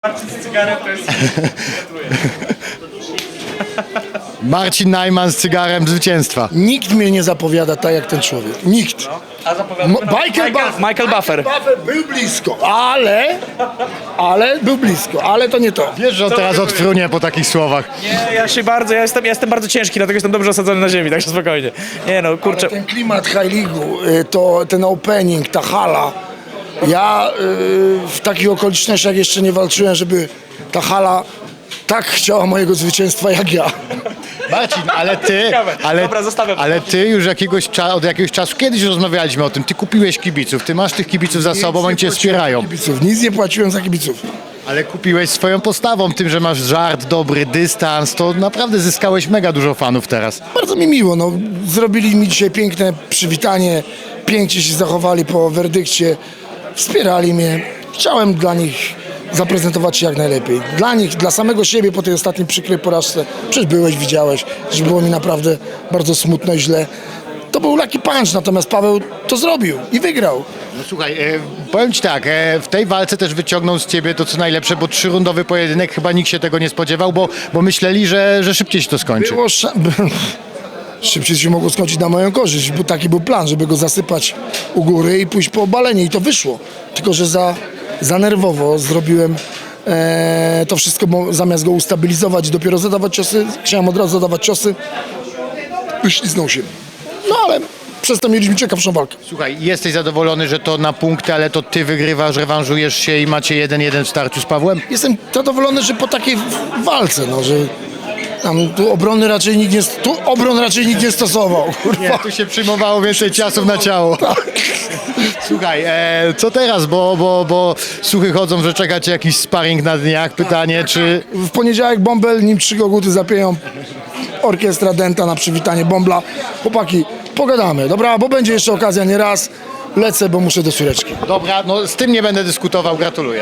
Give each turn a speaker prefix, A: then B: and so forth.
A: Marcin z cygarem to jest... Gratuluję.
B: Marcin Najman z cygarem zwycięstwa.
C: Nikt mnie nie zapowiada tak jak ten człowiek. Nikt.
A: A zapowiadam...
D: Michael Buffer.
C: Buffer był blisko, ale był blisko, ale to nie to.
B: Wiesz, że on teraz odfrunie po takich słowach.
D: Nie, ja jestem bardzo ciężki, dlatego jestem dobrze osadzony na ziemi, także spokojnie. Nie no, kurczę.
C: Ten klimat High League'u, to ten opening, ta hala. Ja w takich okolicznościach jeszcze nie walczyłem, żeby ta hala tak chciała mojego zwycięstwa jak ja.
B: Marcin, ale ty,
D: Ciekawe. Dobra, zostawiam.
B: ale ty już od jakiegoś czasu, kiedyś rozmawialiśmy o tym, ty kupiłeś kibiców, ty masz tych kibiców za sobą, oni cię wspierają.
C: Kibiców. Nic nie płaciłem za kibiców.
B: Ale kupiłeś swoją postawą, tym, że masz żart, dobry dystans, to naprawdę zyskałeś mega dużo fanów teraz.
C: Bardzo mi miło, no. Zrobili mi dzisiaj piękne przywitanie, pięknie się zachowali po werdykcie, wspierali mnie. Chciałem dla nich zaprezentować się jak najlepiej. Dla nich, dla samego siebie po tej ostatniej przykrej porażce, przecież byłeś, widziałeś, że było mi naprawdę bardzo smutno i źle. To był Lucky Punch, natomiast Paweł to zrobił i wygrał.
B: No słuchaj, powiem ci tak, w tej walce też wyciągnął z ciebie to co najlepsze, bo 3-rundowy pojedynek, chyba nikt się tego nie spodziewał, bo myśleli, że szybciej się to skończy.
C: Było szybciej się mogło skończyć na moją korzyść, bo taki był plan, żeby go zasypać u góry i pójść po obalenie i to wyszło. Tylko że za nerwowo zrobiłem to wszystko, bo zamiast go ustabilizować i dopiero zadawać ciosy, chciałem od razu zadawać ciosy, wyśliznął się. No ale przez to mieliśmy ciekawszą walkę.
B: Słuchaj, jesteś zadowolony, że to na punkty, ale to ty wygrywasz, rewanżujesz się i macie 1-1 w starciu z Pawłem?
C: Jestem zadowolony, że po takiej walce, no, że tam tu obron raczej nikt nie stosował. Kurwa.
B: Nie, tu się przyjmowało więcej ciosów na ciało. Słuchaj, co teraz, bo słuchy chodzą, że czeka cię jakiś sparring na dniach. Pytanie, czy...
C: W poniedziałek Bąbel, nim 3 koguty zapieją, orkiestra Denta na przywitanie Bąbla. Chłopaki, pogadamy, dobra? Bo będzie jeszcze okazja nie raz. Lecę, bo muszę do córeczki.
B: Dobra, no z tym nie będę dyskutował, gratuluję.